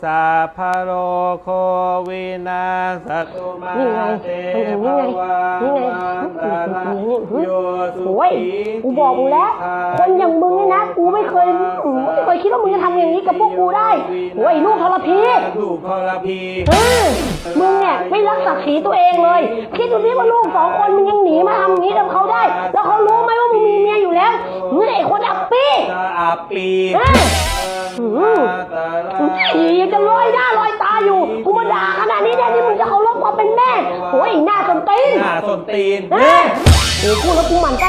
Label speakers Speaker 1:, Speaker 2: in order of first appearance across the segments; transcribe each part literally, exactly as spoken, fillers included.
Speaker 1: สัพพโรโควินาศตุมาเตภวังวันตรายโยสุ
Speaker 2: โอ้ย
Speaker 1: ขี
Speaker 2: กูบอกมึงแล้ว คนอย่างมึงเนี่ยนะ กูไม่เคยไม่เคยคิดว่ามึงจะทำอย่างนี้กับพวกกูได้โอ้ยลูกทรพี
Speaker 1: ลูกทรพี
Speaker 2: เออมึงเนี่ยไม่รักศักดิ์ศรีตัวเองเลยคิดดูนี่ว่าลูกสองคนมึงยังหนีมาทำอย่างนี้กับเขาได้แล้วเขารู้ไหมว่ามึงมีเมียอยู่แล้วมึงไอ้คนอับปี
Speaker 1: อับปี
Speaker 2: เอออียังจะลอยหน้าลอยตาอยู่กูมาด่าขนาดนี้แน่นี่มึงจะเคารพความเป็นแม่โอ้ยหน้าส้นตีน
Speaker 1: หน้าส้นตีน
Speaker 2: เออโอ้ยพูดแล้วกูหมั่นไส้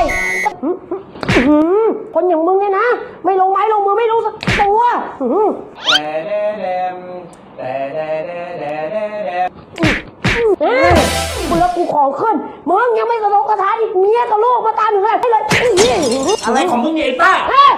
Speaker 2: คนอย่างมึงเนี่ยนะไม่ลงไม้ลงมือไม่รู้สักตัว
Speaker 1: แต่แดแดมแต่แดแดแดแดแดม
Speaker 2: เออกูแล้วกูของขึ้นมึงยังไม่สะทกสะท้านอีกเมียกับลูกมาตามอยู่เลยให้เลย
Speaker 1: อะไรของมึงเนี่ยไอ้ต้า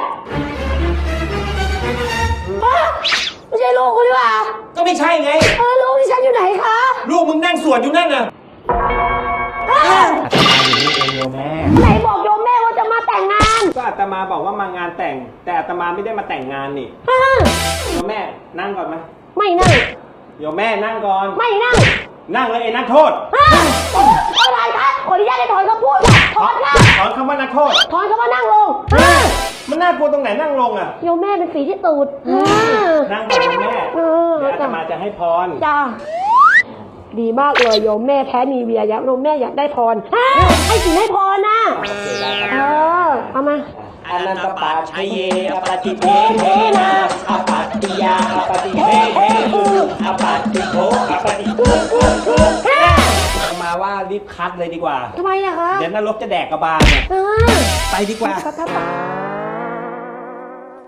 Speaker 2: ไม่ใช่ลูกกูดีกว่า
Speaker 1: ก็ไม่ใช่ไง
Speaker 2: เออลูกที่ฉันอยู่ไหนคะ
Speaker 1: ลูกมึงนั่งสวดอยู่นั่นน่ะ
Speaker 2: อาตมาอยู่นี่เองโยมแม่ไหนบอกโยมแม่ว่าจะมาแต่งงาน
Speaker 1: ก็อาตมาบอกว่ามางานแต่งแต่อาตมาไม่ได้มาแต่งงานนี่โยมแม่นั่งก่อนไหม
Speaker 2: ไม่นั่ง
Speaker 1: โยมแม่นั่งก่อน
Speaker 2: ไม่นั่ง
Speaker 1: นั่งเลยไอ้นักโทษ
Speaker 2: อะไรคะขออนุญาตให้ถอนคำพูดถอนค่ะ
Speaker 1: ถอนคำว่านักโทษ
Speaker 2: ถอนคำว่านั่งลง
Speaker 1: มันน่ากลัวตรงไหนนั่งลงอ่ะ
Speaker 2: โยมแม่เป็นฝีที่ตูด
Speaker 1: นั่งก่อนโยมแม่
Speaker 2: เออ
Speaker 1: เดี๋ยวอาตมาจะให้พร
Speaker 2: จ้าดีมากเลยโยมแม่แพ้นีเวียยักษ์โยมแม่อยากได้พรให้สิให้พรนะเออเอามา
Speaker 1: อนันตปัจชัยเยอปฏิเทเทนะอปัตติยาอปฏิเทเทอปัตติโภอปฏิมาว่ารีบคัดเลยดีกว่า
Speaker 2: ทำไมอะคะ
Speaker 1: เดี๋ยวนรกจะแดกกระบาลเนี่ย
Speaker 2: เออ
Speaker 1: ไปดีกว่า
Speaker 2: ไป